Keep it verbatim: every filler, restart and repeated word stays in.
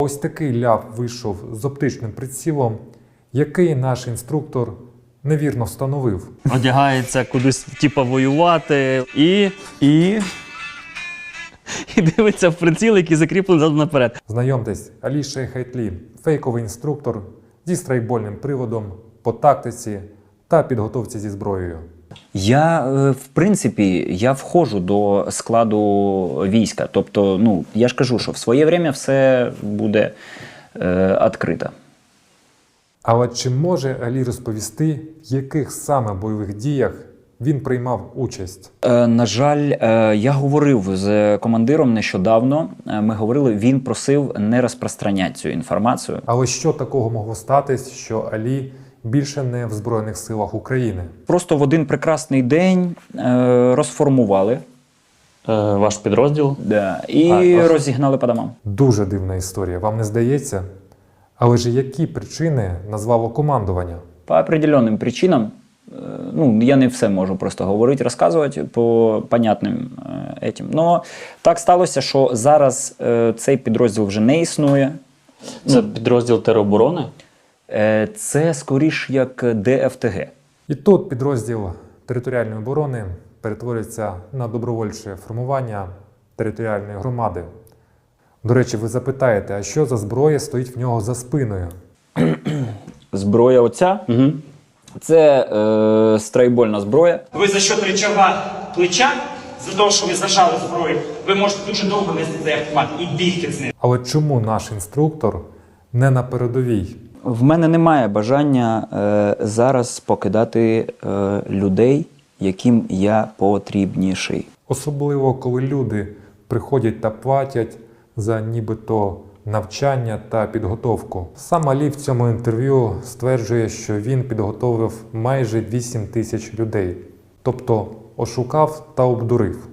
Ось такий ляв вийшов з оптичним прицілом, який наш інструктор невірно встановив. Одягається кудись, типу, воювати і... І і дивиться в приціл, який закріплений задом наперед. Знайомтесь, Алі Шейх-Айтлі – фейковий інструктор зі страйкбольним приводом по тактиці та підготовці зі зброєю. я, е, в принципі, я входжу до складу війська. Тобто, ну, я ж кажу, що в своє время все буде е, відкрито. Але чи може Алі розповісти, в яких саме бойових діях він приймав участь? Е, на жаль, е, я говорив з командиром нещодавно. Е, ми говорили, він просив не розпространяти цю інформацію. Але що такого могло статись, що Алі більше не в Збройних силах України? Просто в один прекрасний день е, розформували Е, ваш підрозділ? да, і А, ось. розігнали по домам. Дуже дивна історія, вам не здається? Але ж які причини назвало командування? По определенним причинам, е, ну, я не все можу просто говорити, розказувати по понятним е, етім. Но так сталося, що зараз е, цей підрозділ вже не існує. Це підрозділ тероборони? Е, це скоріш як Д Ф Т Г. І тут підрозділ територіальної оборони перетворюється на добровольче формування територіальної громади. До речі, ви запитаєте, а що за зброя стоїть в нього за спиною? Зброя оця, Угу. це е, страйкбольна зброя. Ви за счет речова плеча, за того, що ви зажали зброю, ви можете дуже довго нести цей автомат і бігти з ним. Але чому наш інструктор не на передовій? В мене немає бажання е, зараз покидати е, людей, яким я потрібніший. Особливо, коли люди приходять та платять за нібито навчання та підготовку. Сам Алі в цьому інтерв'ю стверджує, що він підготовив майже вісім тисяч людей. Тобто ошукав та обдурив.